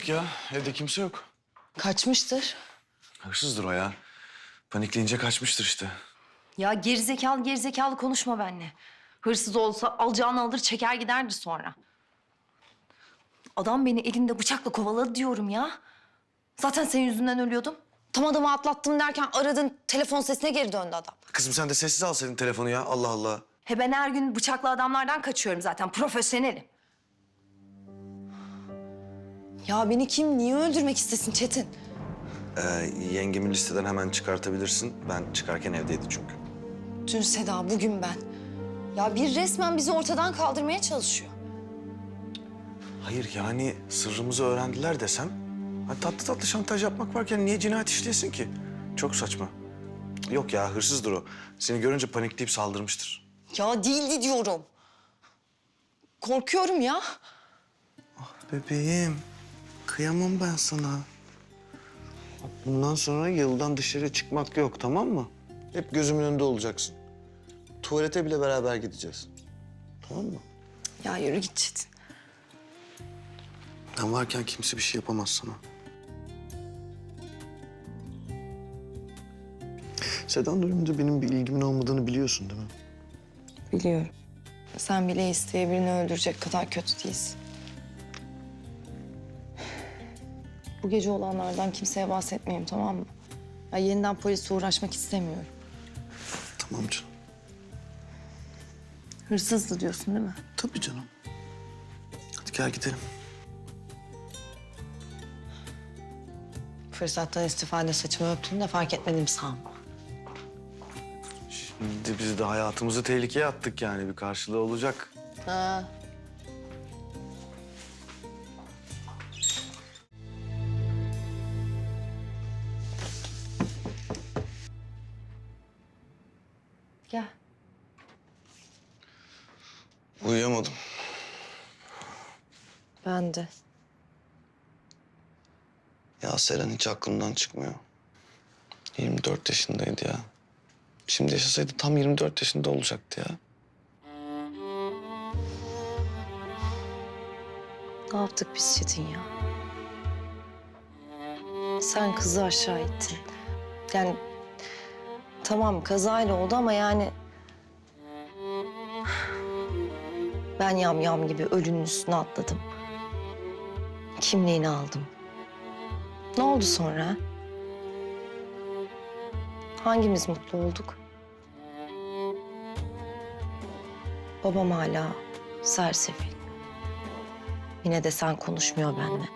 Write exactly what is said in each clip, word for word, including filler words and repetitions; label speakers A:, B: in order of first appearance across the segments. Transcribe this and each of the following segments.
A: baktık ya. Evde kimse yok.
B: Kaçmıştır.
A: Hırsızdır o ya. Panikleyince kaçmıştır işte.
B: Ya gerizekalı gerizekalı konuşma benimle. Hırsız olsa alacağını alır çeker giderdi sonra. Adam beni elinde bıçakla kovaladı diyorum ya. Zaten senin yüzünden ölüyordum. Tam adamı atlattım derken aradın telefon sesine geri döndü adam.
A: Kızım sen de sessiz alsaydın telefonu ya. Allah Allah.
B: He ben her gün bıçaklı adamlardan kaçıyorum zaten. Profesyonelim. Ya beni kim niye öldürmek istesin Çetin?
A: Ee, yengemi listeden hemen çıkartabilirsin. Ben çıkarken evdeydi çünkü.
B: Dün Seda, bugün ben. Ya bir resmen bizi ortadan kaldırmaya çalışıyor.
A: Hayır yani sırrımızı öğrendiler desem... Ha, tatlı tatlı şantaj yapmak varken niye cinayet işleyesin ki? Çok saçma. Yok ya hırsızdır o. Seni görünce panikleyip saldırmıştır.
B: Ya değildi diyorum. Korkuyorum ya.
A: Bebeğim, kıyamam ben sana. Bundan sonra yıldan dışarı çıkmak yok, tamam mı? Hep gözümün önünde olacaksın. Tuvalete bile beraber gideceğiz. Tamam mı?
B: Ya yürü git Çetin.
A: Ben varken kimse bir şey yapamaz sana. Seda'nın ölümünde benim bir ilgimin olmadığını biliyorsun değil mi?
B: Biliyorum. Sen bile isteye birini öldürecek kadar kötü değilsin. Bu gece olanlardan kimseye bahsetmeyeyim, tamam mı? Ya yeniden polise uğraşmak istemiyorum.
A: Tamam canım.
B: Hırsızdı diyorsun değil mi?
A: Tabii canım. Hadi gel gidelim.
B: Fırsattan istifade saçımı öptüğünü de fark etmedim sanma.
A: Şimdi biz de hayatımızı tehlikeye attık yani. Bir karşılığı olacak.
B: Ha. Gel.
A: Uyuyamadım.
B: Ben de.
A: Ya Seren hiç aklımdan çıkmıyor. yirmi dört yaşındaydı ya. Şimdi yaşasaydı tam yirmi dört yaşında olacaktı ya.
B: Ne yaptık biz Çetin ya? Sen kızı aşağı ittin. Yani tamam kazayla oldu ama yani... Ben yam yam gibi ölünün üstüne atladım. Kimliğini aldım. Ne oldu sonra? Hangimiz mutlu olduk? Babam hala sersefil. Yine de sen konuşmuyor benimle.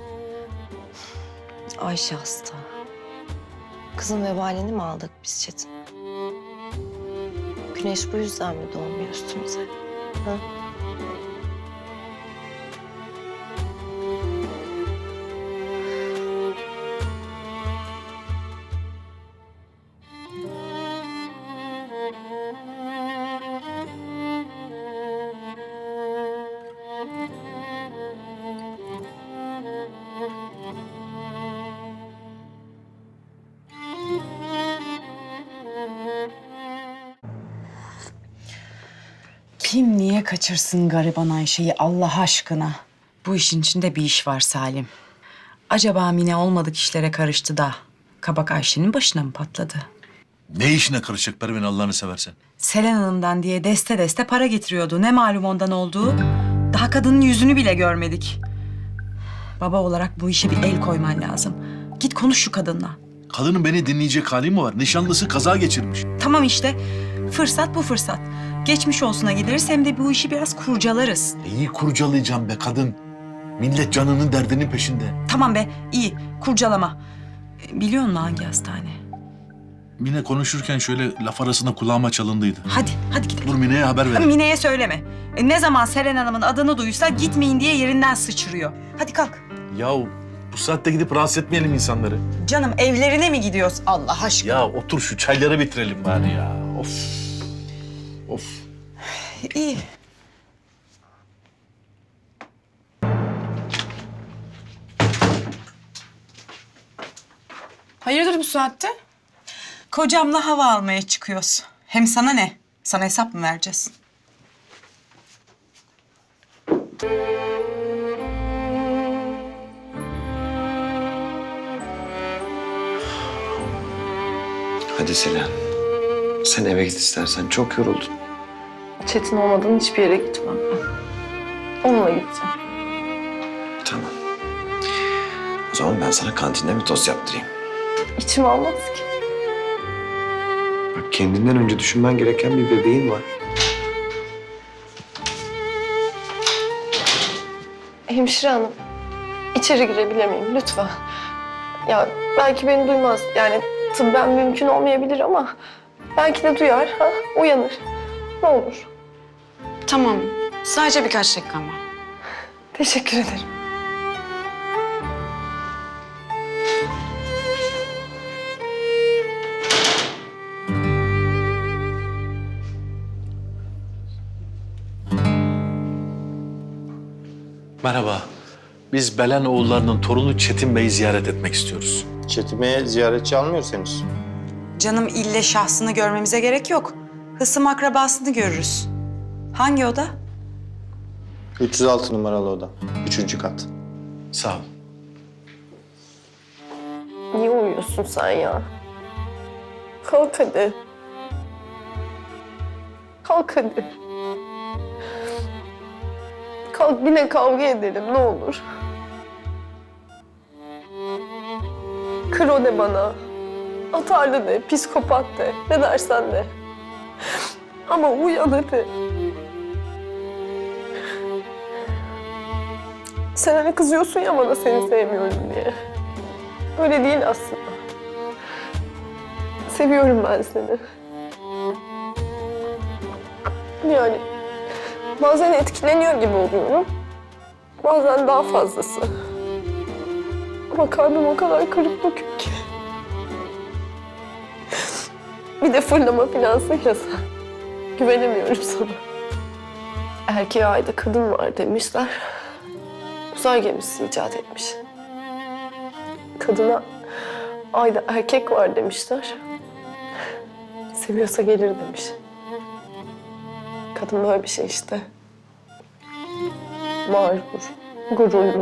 B: Ayşe hasta. Kızın vebalini mi aldık biz Çetin? Güneş bu yüzden mi doğmuyor üstümüze? Ha?
C: Kim niye kaçırsın gariban Ayşe'yi Allah aşkına? Bu işin içinde bir iş var Salim. Acaba Mine olmadık işlere karıştı da kabak Ayşe'nin başına mı patladı?
D: Ne işine karışacak Pervin Allah'ını seversen?
C: Selen Hanım'dan diye deste deste para getiriyordu. Ne malum ondan olduğu. Daha kadının yüzünü bile görmedik. Baba olarak bu işe bir el koyman lazım. Git konuş şu kadınla.
D: Kadının beni dinleyecek hali mi var? Nişanlısı kaza geçirmiş.
C: Tamam işte. Fırsat bu fırsat. Geçmiş olsuna gideriz hem de bu işi biraz kurcalarız.
D: İyi kurcalayacağım be kadın. Millet canının derdinin peşinde.
C: Tamam be, iyi. Kurcalama. E, Biliyor musun hangi hastane?
D: Mine konuşurken şöyle laf arasında kulağıma çalındıydı.
C: Hadi, hadi gidelim.
D: Dur Mine'ye haber ver.
C: Mine'ye söyleme. E, ne zaman Selen Hanım'ın adını duysa gitmeyin diye yerinden sıçrıyor. Hadi kalk.
D: Yahu bu saatte gidip rahatsız etmeyelim insanları.
C: Canım evlerine mi gidiyoruz Allah aşkına?
D: Ya otur şu çayları bitirelim bari ya. Of. Of.
C: İyi.
E: Hayırdır bu saatte?
C: Kocamla hava almaya çıkıyoruz. Hem sana ne? Sana hesap mı vereceğiz?
A: Hadi Selen. Sen eve git istersen. Çok yoruldun.
E: Çetin olmadan hiçbir yere gitmem ben. Onunla gideceğim.
A: Tamam. O zaman ben sana kantinde bir tost yaptırayım.
E: İçim almaz ki.
A: Bak kendinden önce düşünmen gereken bir bebeğin var.
E: Hemşire hanım, içeri girebilir miyim lütfen? Ya belki beni duymaz. Yani tıbben mümkün olmayabilir ama belki de duyar, ha? Uyanır. Ne olur.
C: Tamam. Sadece birkaç dakika ama.
E: Teşekkür ederim.
D: Merhaba. Biz Belen oğullarının torunu Çetin Bey'i ziyaret etmek istiyoruz.
F: Çetin Bey'e ziyaretçi almıyoruz henüz.
C: Canım ille şahsını görmemize gerek yok. Hısım akrabasını görürüz. Hangi oda?
F: üç yüz altı numaralı oda. Üçüncü kat.
D: Sağ ol.
E: Niye uyuyorsun sen ya? Kalk hadi. Kalk hadi. Kalk yine kavga edelim ne olur. Kro de bana. Atarlı de, psikopat de. Ne dersen de. Ama uyan hadi. Sen hani kızıyorsun ya bana seni sevmiyorum diye. Öyle değil aslında. Seviyorum ben seni. Yani bazen etkileniyor gibi oluyorum. Bazen daha fazlası. Ama kalbim o kadar kırık dökük ki. Bir de fırlama finansın ya sen. Güvenemiyorum sana. Erkeğe ayda kadın var demişler. Uzay gemisi icat etmiş. Kadına ayda erkek var demişler. Seviyorsa gelir demiş. Kadın böyle bir şey işte. Mağrur, gururlu.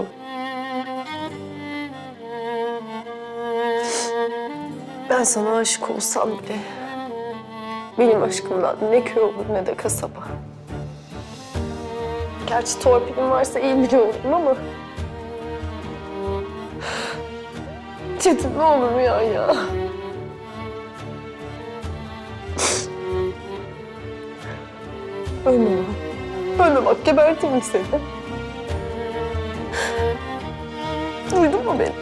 E: Ben sana aşık olsam bile benim aşkımdan ne köy olur ne de kasaba. Gerçi torpilim varsa iyi biri olurum ama... Çetin ne olur uyan ya. Ölme bak. Ölme bak gebertirim seni. Duydun mu beni?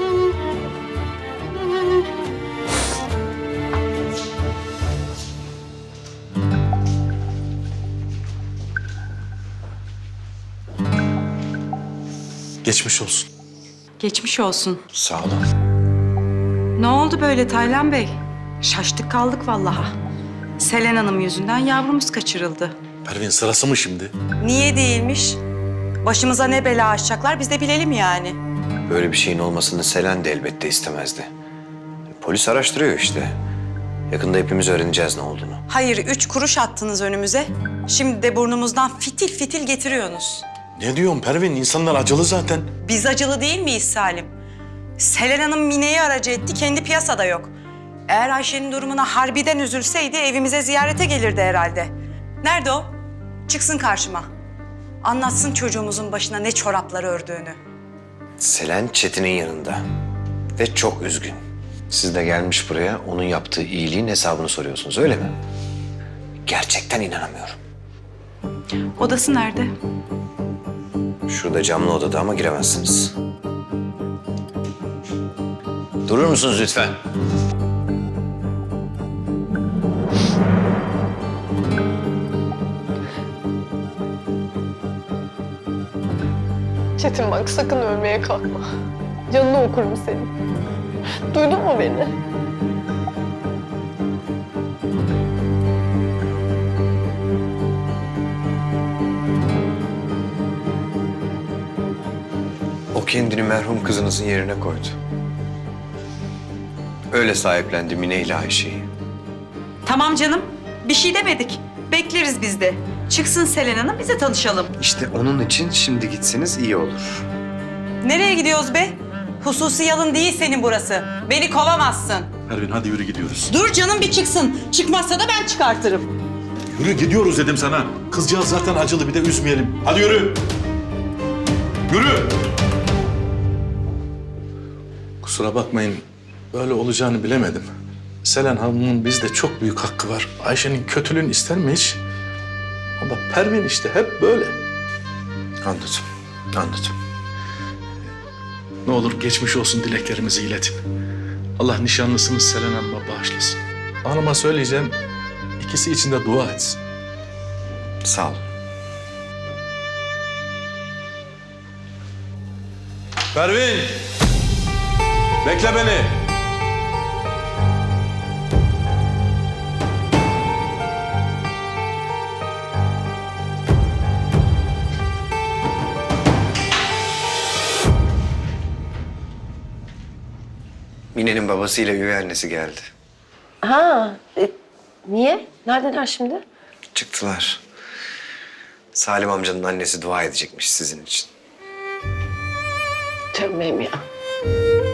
D: Geçmiş olsun.
C: Geçmiş olsun.
A: Sağ olun.
C: Ne oldu böyle Taylan Bey? Şaştık kaldık vallahi. Selen Hanım yüzünden yavrumuz kaçırıldı.
D: Pervin sırası mı şimdi?
C: Niye değilmiş? Başımıza ne bela açacaklar biz de bilelim yani.
A: Böyle bir şeyin olmasını Selen de elbette istemezdi. Polis araştırıyor işte. Yakında hepimiz öğreneceğiz ne olduğunu.
C: Hayır, üç kuruş attınız önümüze. Şimdi de burnumuzdan fitil fitil getiriyorsunuz.
D: Ne diyorsun Pervin? İnsanlar acılı zaten.
C: Biz acılı değil miyiz Salim? Selen Hanım Mine'yi aracı etti, kendi piyasada yok. Eğer Ayşe'nin durumuna harbiden üzülseydi evimize ziyarete gelirdi herhalde. Nerede o? Çıksın karşıma. Anlatsın çocuğumuzun başına ne çoraplar ördüğünü.
A: Selen Çetin'in yanında. Ve çok üzgün. Siz de gelmiş buraya onun yaptığı iyiliğin hesabını soruyorsunuz öyle mi? Gerçekten inanamıyorum.
C: Odası nerede?
A: Şurada camlı odada ama giremezsiniz. Durur musunuz lütfen?
E: Çetin bak sakın ölmeye kalkma. Canını okurum senin. Duydun mu beni?
A: O kendini merhum kızınızın yerine koydu. Öyle sahiplendi Mine ile Ayşe'yi.
C: Tamam canım, bir şey demedik. Bekleriz biz de. Çıksın Selen Hanım, bize tanışalım.
A: İşte onun için şimdi gitseniz iyi olur.
C: Nereye gidiyoruz be? Hususi yalın değil senin burası. Beni kovamazsın.
D: Pervin hadi yürü gidiyoruz.
C: Dur canım bir çıksın. Çıkmazsa da ben çıkartırım.
D: Yürü gidiyoruz dedim sana. Kızcağız zaten acılı, bir de üzmeyelim. Hadi yürü. Yürü. Kusura bakmayın. Böyle olacağını bilemedim. Selen Hanım'ın bizde çok büyük hakkı var. Ayşe'nin kötülüğünü ister mi hiç? Ama Pervin işte hep böyle.
A: Anladım, anladım.
D: Ne olur geçmiş olsun dileklerimizi iletin. Allah nişanlısınız Selen Hanım'a bağışlasın. Hanıma söyleyeceğim, ikisi için de dua etsin.
A: Sağ ol.
D: Pervin! Bekle beni.
G: Mine'nin babasıyla üvey annesi geldi.
E: Ha, e, niye? Neredeler şimdi?
G: Çıktılar. Salim amcanın annesi dua edecekmiş sizin için.
E: Canım benim ya.